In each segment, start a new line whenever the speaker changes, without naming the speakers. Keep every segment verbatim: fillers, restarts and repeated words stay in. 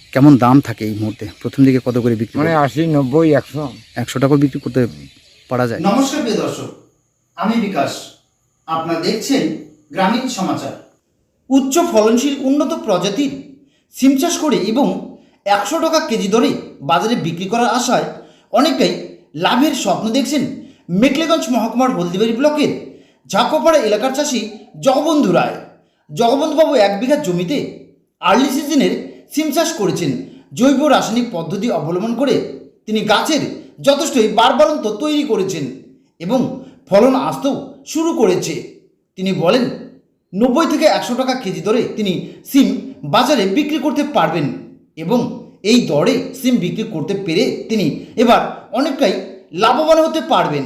কেমন দাম থাকে এই মুহূর্তে? প্রথম দিকে কত করে বিক্রি
মানে
করেন?
আশি নব্বই একশো
একশো টাকা বিক্রি করতে পারা যায়?
নমস্কার প্রিয় দর্শক, আমি বিকাশ। আপনারা দেখছেন গ্রামীণ সমাচার। উচ্চ ফলনশীল উন্নত প্রজাতির সিম চাষ করে এবং একশো টাকা কেজি দরে বাজারে বিক্রি করার আশায় অনেকটাই লাভের স্বপ্ন দেখছেন মেখলিগঞ্জ মহকুমার হলদিবাড়ি ব্লকের ঝাঁকোপাড়া এলাকার চাষি জগবন্ধু রায়। জগবন্ধুবাবু এক বিঘা জমিতে আর্লি সিজনের সিম চাষ করেছেন। জৈব রাসায়নিক পদ্ধতি অবলম্বন করে তিনি গাছের যথেষ্টই বাড়বাড়ন্ত তৈরি করেছেন এবং ফলন আসতেও শুরু করেছে। তিনি বলেন নব্বই থেকে একশো টাকা কেজি দরে তিনি সিম বাজারে বিক্রি করতে পারবেন এবং এই দরে সিম বিক্রি করতে পেরে তিনি এবার অনেকটাই লাভবান হতে পারবেন।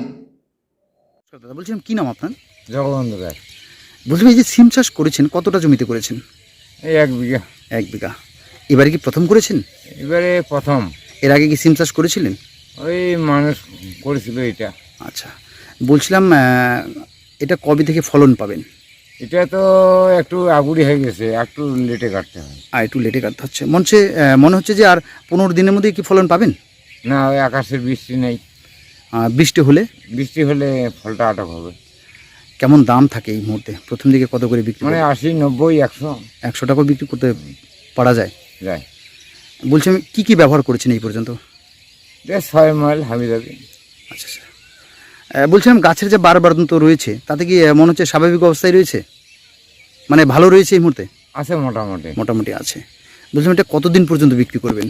দাদা বলছিলাম, কি নাম আপনার?
জগবন্ধু রায়।
বলছিলাম, এই যে সিম চাষ করেছেন কতটা জমিতে করেছেন?
এই এক বিঘা।
এক বিঘা। এবারে কি প্রথম করেছেন?
এবারে প্রথম।
এর আগে কি সিম চাষ করেছিলেন?
ওই মানুষ করেছিল এটা।
আচ্ছা, বলছিলাম আহ, এটা কবে থেকে ফলন পাবেন?
এটা তো একটু আগুড়ি হয়ে গেছে, একটু লেটে কাটতে হয়।
আর একটু লেটে কাটতে হচ্ছে মনে হচ্ছে। আহ, মনে হচ্ছে যে আর পনেরো দিনের মধ্যে কি ফলন পাবেন?
না, ওই আকাশের বৃষ্টি নেই।
আহ, বৃষ্টি হলে?
বৃষ্টি হলে ফলটা আটক হবে।
কেমন দাম থাকে এই মুহূর্তে? প্রথম দিকে কত করে বিক্রি
মানে
করেন?
আশি নব্বই একশো
একশো টাকা বিক্রি করতে পারা যায়?
যায়।
বলছিলাম, কি কি ব্যবহার করেছেন এই পর্যন্ত?
যে ছয় মাইল হাবি যাবি।
আচ্ছা স্যার, আহ, বলছিলাম গাছের যে বাড়বাড়ন্ত রয়েছে তাতে কি আহ, মনে হচ্ছে স্বাভাবিক অবস্থায় রয়েছে, মানে ভালো রয়েছে এই মুহূর্তে?
আছে মোটামুটি।
মোটামুটি আছে। বলছিলাম, এটা কতদিন পর্যন্ত বিক্রি করবেন?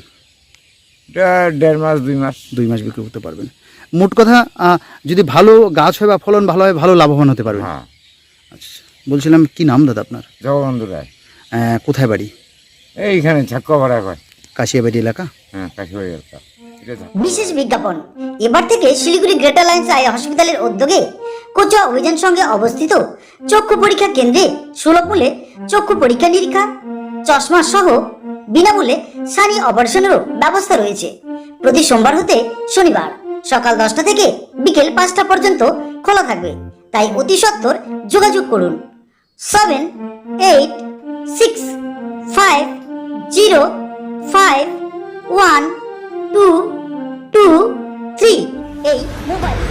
এটা দেড় মাস দুই মাস।
দুই মাস বিক্রি করতে পারবেন। মোট কথা আহ, যদি ভালো গাছ হয় বা ফলন ভালো হয়, ভালো লাভবান হতে পারবেন।
হ্যাঁ।
আচ্ছা, বলছিলাম, কি নাম দাদা আপনার?
জগবন্ধু রায়।
আহ, কোথায় বাড়ি?
এইখানে ঝাক্কাপাড়া কয়।
কাশিয়াবাড়ি এলাকা?
হ্যাঁ, কাশিবাড়ি এলাকা। এটা ঝাক্কা-
বিশেষ বিজ্ঞাপন। এবার থেকে শিলিগুড়ি গ্রেটার লাইন্স আই হসপিটালের উদ্যোগে কোচা অভিযান সঙ্গে অবস্থিত চক্ষু পরীক্ষা কেন্দ্রে সুলভ মূল্যে চক্ষু পরীক্ষা নিরীক্ষা, চশমা সহ বিনামূল্যে সানি অপারেশনেরও ব্যবস্থা রয়েছে। প্রতি সোমবার হতে শনিবার সকাল দশটা থেকে বিকেল পাঁচটা পর্যন্ত খোলা থাকবে। তাই অতি সত্বর যোগাযোগ করুন seven eight six five zero five one two two three এই মোবাইল